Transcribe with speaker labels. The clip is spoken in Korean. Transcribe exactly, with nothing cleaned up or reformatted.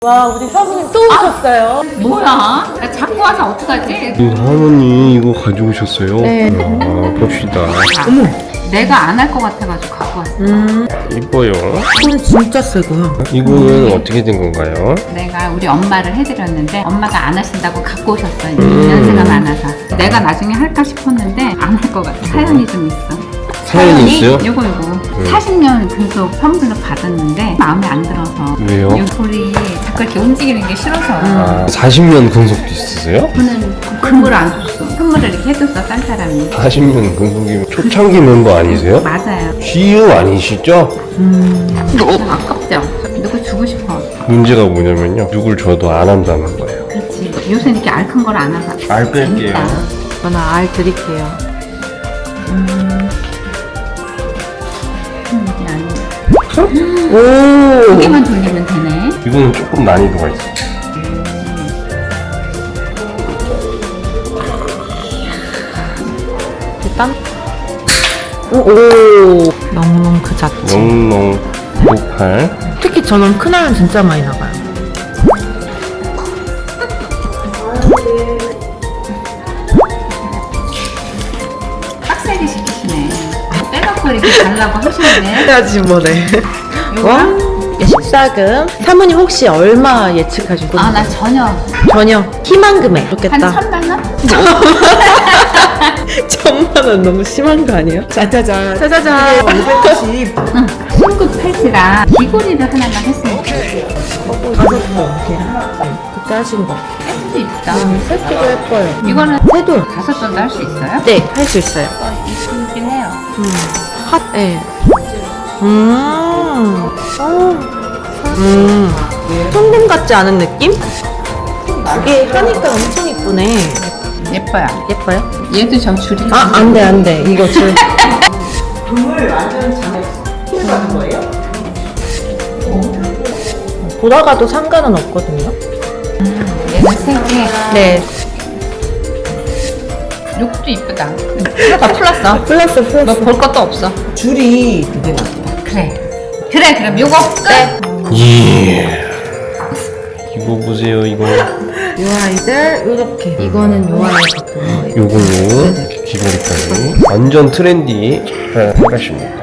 Speaker 1: 와, 우리 사부님 또 오셨어요.
Speaker 2: 뭐야? 나 자꾸 와서 어떡하지?
Speaker 3: 이 할머니 이거 가져오셨어요?
Speaker 1: 네.
Speaker 3: 아, 봅시다.
Speaker 1: 어머.
Speaker 2: 내가 안 할 것 같아가지고 갖고 왔어.
Speaker 1: 음,
Speaker 3: 이뻐요.
Speaker 1: 이건 진짜 세고요.
Speaker 3: 이거는 어떻게 된 건가요?
Speaker 2: 내가 우리 엄마를 해드렸는데 엄마가 안 하신다고 갖고 오셨어요. 연세가 많아서. 내가 나중에 할까 싶었는데 안 할 것 같아. 사연이 좀 있어.
Speaker 3: 사연이 있어요?
Speaker 2: 요거 요거 사십 년 근속 선물로 받았는데 마음에 안 들어서.
Speaker 3: 왜요?
Speaker 2: 요 돌이 자꾸 이렇게 움직이는 게 싫어서.
Speaker 3: 아, 사십 년 근속도 있으세요?
Speaker 2: 저는 선물을 안 줬어. 선물을 이렇게 해줬어, 딴 사람이.
Speaker 3: 사십 년 근속이면 초창기 멤버 아니세요?
Speaker 2: 맞아요.
Speaker 3: 지유 아니시죠?
Speaker 2: 좀 아깝죠? 누구 주고 싶어.
Speaker 3: 문제가 뭐냐면요, 누굴 줘도 안 한다는 거예요.
Speaker 2: 그렇지. 요새 이렇게 알 큰 걸 안 와서.
Speaker 3: 알 뺄게요.
Speaker 2: 재밌다.
Speaker 1: 저는 알 드릴게요.
Speaker 2: 음, 이게 아니네.
Speaker 1: 오.
Speaker 2: 두 개만 돌리면 되네.
Speaker 3: 이거는 조금 난이도가 있어요.
Speaker 1: 일단. 오. 오. 영롱 그 자체.
Speaker 3: 영롱 오팔.
Speaker 1: 특히 저는 큰알은 진짜 많이 나가요.
Speaker 2: 빡세게 시키시네. 빼놓고 이렇게 달라고 하시는데.
Speaker 1: 해야지 뭐네. 와. 십사금. 사모님 혹시 얼마 예측하시고?
Speaker 2: 아, 나 전혀.
Speaker 1: 전혀 희망 금액.
Speaker 2: 한
Speaker 1: 좋겠다.
Speaker 2: 천만 원?
Speaker 1: 천만 원 너무 심한 거 아니에요? 짜자잔. 짜자잔. 오백십.
Speaker 2: 응. 신급 팔찌랑 귀걸이를 하나만 했으면 좋겠어.
Speaker 1: 다섯 번. 그때 하신 거.
Speaker 2: 세트도 이쁘다.
Speaker 1: 색도 예뻐요.
Speaker 2: 이거는
Speaker 1: 새도.
Speaker 2: 다섯 번도 할 수 있어요?
Speaker 1: 네, 할 수 있어요.
Speaker 2: 어, 이쁘긴 해요.
Speaker 1: 음. 핫, 예. 음. 음. 손금 같지 않은 느낌? 이게 하니까 엄청 이쁘네.
Speaker 2: 예뻐요.
Speaker 1: 예뻐요?
Speaker 2: 얘도 저 줄이.
Speaker 1: 아, 안 돼, 안 돼. 이거 줄. 돌아가도 상관은 없거든요.
Speaker 2: 얘는 세 개.
Speaker 1: 네.
Speaker 2: 요것도 이쁘다. 다 풀었어.
Speaker 1: 플러스, 플러스.
Speaker 2: 뭐 볼 것도 없어.
Speaker 4: 줄이 되게 많다.
Speaker 2: 그래. 그래, 그럼 요거 끝.
Speaker 3: 예. 이거 보세요, 이거.
Speaker 1: 요 아이들, 요렇게. 이거는 요 아이 같은 거예요.
Speaker 3: 요걸로 귀걸이까지 완전 트렌디 잘 하십니다.